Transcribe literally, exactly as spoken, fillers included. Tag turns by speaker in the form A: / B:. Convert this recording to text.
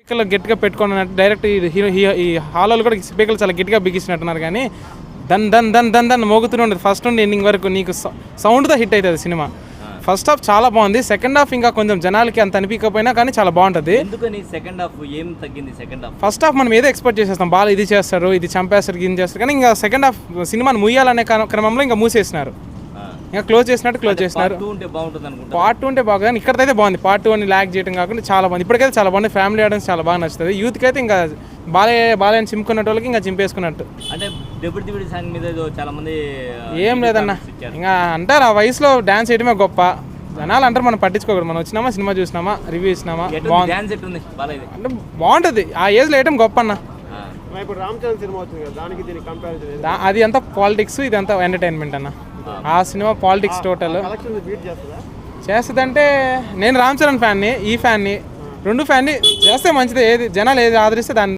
A: స్పీకర్లు గట్టిగా పెట్టుకున్నట్టు డైరెక్ట్ హీరో ఈ హాల్లో కూడా స్పీకర్లు చాలా గట్టిగా బిగించినట్టున్నారు. కానీ దన్ దన్ దన్ దన్ దన్ మోగుతూనే ఉండదు ఫస్ట్ నుండి ఎండింగ్ వరకు. నీకు సౌండ్తో హిట్ అవుతుంది సినిమా. ఫస్ట్ హాఫ్ చాలా బాగుంది. సెకండ్ హాఫ్ ఇంకా కొంచెం జనాలకి అంత అనిపించకపోయినా కానీ చాలా బాగుంటుంది.
B: సెకండ్ హాఫ్ ఏం తగ్గింది? సెకండ్ హాఫ్
A: ఫస్ట్ హాఫ్ మనం ఏదో ఎక్స్పెక్ట్ చేసేస్తాం, బాగా ఇది చేస్తారు, ఇది చంపేస్తారు, ఇది చేస్తారు. కానీ ఇంకా సెకండ్ హాఫ్ సినిమాని ముయ్యాలనే క్రమంలో ఇంకా మూసేసినారు, ఇంకా క్లోజ్ చేసినట్టు క్లోజ్ చేసినారు. పార్ట్ టూ ఉంటే బాగా, కానీ ఇక్కడైతే బాగుంది. పార్ట్ టూ అని ల్యాక్ చేయడం కాకుండా చాలా బాగుంది. ఇప్పటికైతే చాలా బాగుంది. ఫ్యామిలీ ఆడియన్స్ చాలా బాగా నచ్చుతుంది. యూత్కి అయితే ఇంకా బాలే బాలయ్యని చింపుకున్నట్టు వాళ్ళకి ఇంకా చింపేసుకున్నట్టు.
B: అంటే డిప్యూటీ డిప్యూటీ సాంగ్ మీద చాలా మంది
A: ఏం లేదన్న, ఇంకా అంటారు ఆ వయసులో డాన్స్ చేయడమే గొప్ప. జనాలు అంటారు, మనం పట్టించుకోకూడదు. మనం వచ్చినామా, సినిమా చూసినామా, రివ్యూ ఇచ్చినామా, బాగుంది అంటే బాగుంటుంది. ఆ ఏజ్లో వేయడం గొప్ప అన్న. అది అంతా పాలిటిక్స్, ఇది అంతా ఎంటర్టైన్మెంట్ అన్న. ఆ సినిమా పాలిటిక్స్ టోటల్ చేస్తుందంటే, నేను రామ్ చరణ్ ఫ్యాన్ని, ఈ ఫ్యాన్ని, రెండు ఫ్యాన్ని చేస్తే మంచిది. ఏది జనాలు ఏది ఆదరిస్తే దాన్ని